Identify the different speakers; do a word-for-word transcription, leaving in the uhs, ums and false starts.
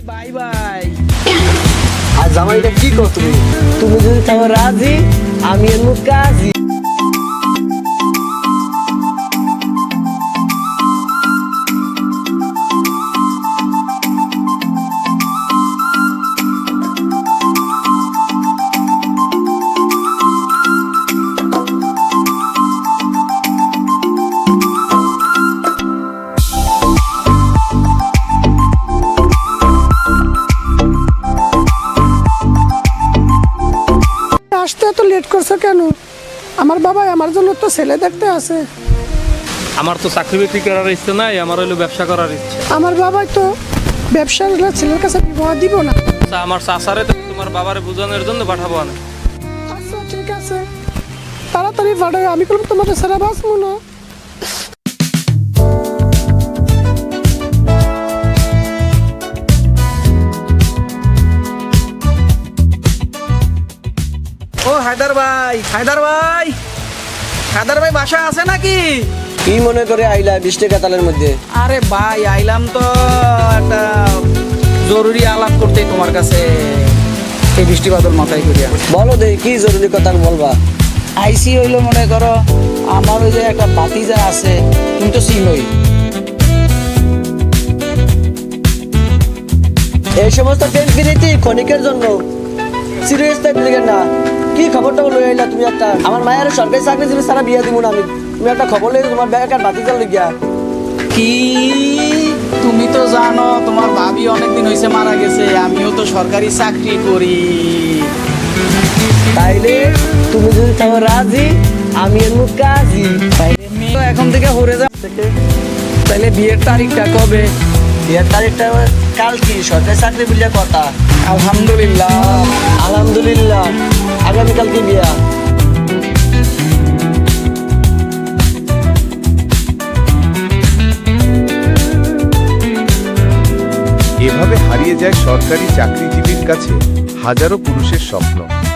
Speaker 1: Bye bye.
Speaker 2: আর জামাইটা কি কর তুমি তুমি যদি থাকো রাজি আমি এর মুখ কাজি।
Speaker 3: আসতে এত লেট করছো কেন? আমার বাবা আমার জন্য তো ছেলে দেখতে আছে।
Speaker 4: আমার তো চাকরি বাকরি করার ইচ্ছে নাই, আমার হলো ব্যবসা করার ইচ্ছে।
Speaker 3: আমার বাবাই তো ব্যবসার ছেলের কাছে বিবাহ দিব না।
Speaker 4: তা আমার চাচারে তো তোমার বাবারে বোঝানোর জন্য পাঠাবো না।
Speaker 3: আচ্ছা ঠিক আছে, তাড়াতাড়ি পাঠাও। আমি বলবো তোমাদের ছেড়ে বাঁচবো না।
Speaker 1: ও হায়দার ভাই, হায়দার ভাই, হায়দার ভাই বাসা আছে নাকি?
Speaker 2: কি মনে করে আইলা বৃষ্টি কাতালের মধ্যে?
Speaker 1: আরে ভাই আইলাম তো একটা জরুরি আলাপ করতে তোমার কাছে, এই বৃষ্টি বাদল মাথায় করিয়া।
Speaker 2: বলো দেই কি জরুরি কথা বলবা?
Speaker 1: আইসি হইলো মনে করো আমার ওই যে একটা ভাতিজা আছে, তুমি তো চিনোই।
Speaker 2: এই সমস্ত টেনফিনিটি ক্ষণিকের জন্য, সিরিয়াস থাকলে না। কি খবরটা লই আইলা তুমি? একটা আমার মায়ের সরকারি চাকরিজীবী ছাড়া বিয়া দিব না আমি। তুমি একটা খবর লই তোমার ব্যাগের ভাতিজার লিগিয়া।
Speaker 1: কি তুমি তো জানো তোমার ভাবি অনেকদিন হয়েছে মারা গেছে, আমিও তো সরকারি চাকরি করি।
Speaker 2: তাইলে তুমি যদি থাকো রাজি আমি এর মুখ কাজি।
Speaker 1: তাইলে মেয়ে তো এখন থেকে হরে যা। তাইলে বিয়ের তারিখটা কবে?
Speaker 2: বিয়ের তারিখটা কাল কি সরকারি চাকরি বিলিয়া কথা।
Speaker 1: আলহামদুলিল্লাহ।
Speaker 2: আলহামদুলিল্লাহ আগামীকাল কি বিয়া?
Speaker 5: এভাবে হারিয়ে যায় সরকারি চাকরিজীবীর কাছে হাজারো পুরুষের স্বপ্ন।